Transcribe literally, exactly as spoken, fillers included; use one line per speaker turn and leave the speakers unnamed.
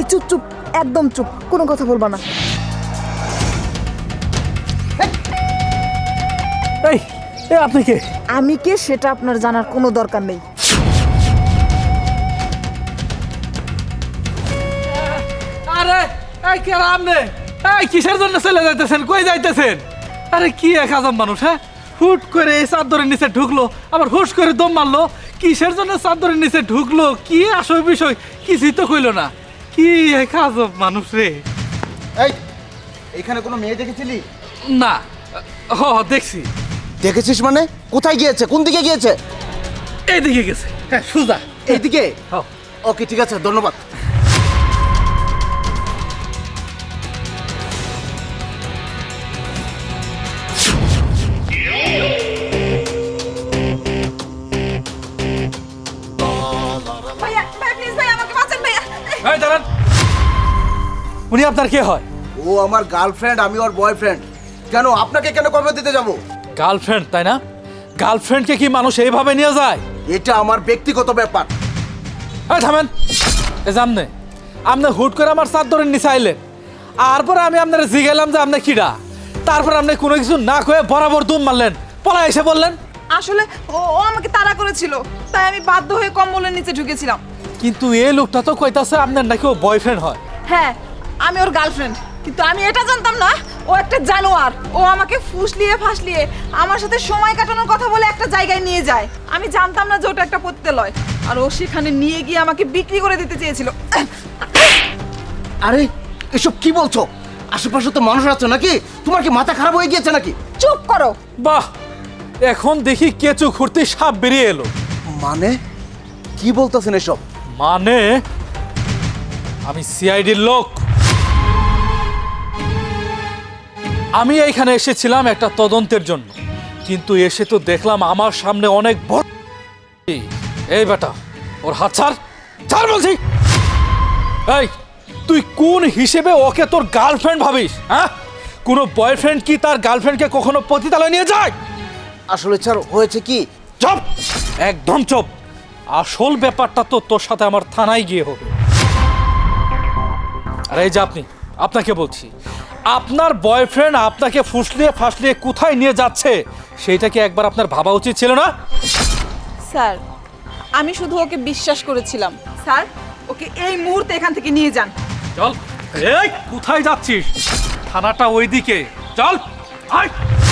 চুপ চুপ, একদম চুপ, কোনো কথা বলবা না।
এই এ আপনি কে?
আমি কে সেটা আপনার জানার কোনো দরকার নেই।
আরে এই কে আপনি? এই কিসের জন্য চলে যাইতেছেন? কই যাইতেছেন? আরে কি এক আজব মানুষ, হ্যাঁ? হুট করে এই চাদরের নিচে ঢুকলো, আবার হুশ করে দম মারলো। কিসের জন্য চাদরের নিচে ঢুকলো, কি আসল বিষয় কিছুই তো কইলো না। কি এক আজব মানুষ রে।
এই এখানে কোনো মেয়ে দেখেছিলি?
না, হ দেখছি।
দেখেছিস মানে? কোথায় গিয়েছে? কোন দিকে গিয়েছে?
এইদিকে গেছে, হ্যাঁ সুজা
এইদিকে?
হ্যাঁ।
ওকে ঠিক আছে, ধন্যবাদ।
ভাইয়া ভাই প্লিজ ভাই আমাকে বাঁচান ভাইয়া।
এই দাঁড়ান, উনি আপনার কে হয়?
ও আমার গার্লফ্রেন্ড, আমি ওর বয়ফ্রেন্ড। কেন আপনাকে কেন কবে দিতে যাব?
গার্লফ্রেন্ড তাই না? গার্লফ্রেন্ডকে কি মানুষ এইভাবে নিয়ে যায়?
এটা আমার ব্যক্তিগত ব্যাপার।
এই থামেন, এই যে আমনে আমনে হুট করে আমার চাদরের নিচে আইলেন, আর পরে আমি আপনার জিগাইলাম যে আপনি কিডা, তারপর আপনি কোনো কিছু না কয়ে বরাবর দুম মারলেন, পলা এসে বললেন।
আসলে ও ও আমাকে তাড়া করেছিল, তাই আমি বাধ্য হয়ে কম্বলের নিচে ঢুকেছিলাম।
কিন্তু এই লোকটা তো কইতাছে আপনার নাকি ও বয়ফ্রেন্ড হয়।
হ্যাঁ, আমি ওর গার্লফ্রেন্ড, কিন্তু আমি এটা জানতাম না ও একটা জানোয়ার। ও আমাকে ফুসলিয়ে ফাসলিয়ে আমার সাথে সময় কাটানোর কথা বলে একটা জায়গায় নিয়ে যায়। আমি জানতাম না যে ওটা একটা পতিতালয়, আর ও সেখানে নিয়ে গিয়ে আমাকে বিক্রি করে দিতে চেয়েছিল।
আরে এসব কি বলছো? আশেপাশে তো মানুষ আছে নাকি? তোমার কি মাথা খারাপ হয়ে গিয়েছে নাকি?
চুপ করো।
বাহ, এখন দেখি কেঁচু খুঁড়তে সাপ বেরিয়ে এলো।
মানে কি বলতেছেন এসব?
মানে আমি সিআইডির লোক। আমি এইখানে এসেছিলাম একটা তদন্তের জন্য, কিন্তু এসে তো দেখলাম আমার সামনে অনেক বড়। এই বেটা, ওর হাত ছাড়, ছাড় বলছি। এই তুই কোন হিসেবে ওকে তোর গার্লফ্রেন্ড ভাবিস? হ্যাঁ, কোনো বয়ফ্রেন্ড কি তার গার্লফ্রেন্ডকে কখনো পতিতালয়ে নিয়ে যায়?
আসলে স্যার হয়েছে কি?
চুপ, একদম চুপ। আসল ব্যাপারটা তো তোর সাথে আমার থানায় গিয়ে হবে। আর এই যে আপনি, আপনাকে বলছি, আপনার বয়ফ্রেন্ড আপনাকে ফুসলিয়ে ফাসলিয়ে কোথায় নিয়ে যাচ্ছে সেইটা কি একবার আপনার ভাবা উচিত ছিল না?
স্যার, আমি শুধু ওকে বিশ্বাস করেছিলাম। স্যার, ওকে এই মুহূর্তে এখান থেকে নিয়ে যান।
চল। এই কোথায় যাচ্ছিস? থানাটা ওইদিকে, চল আয়।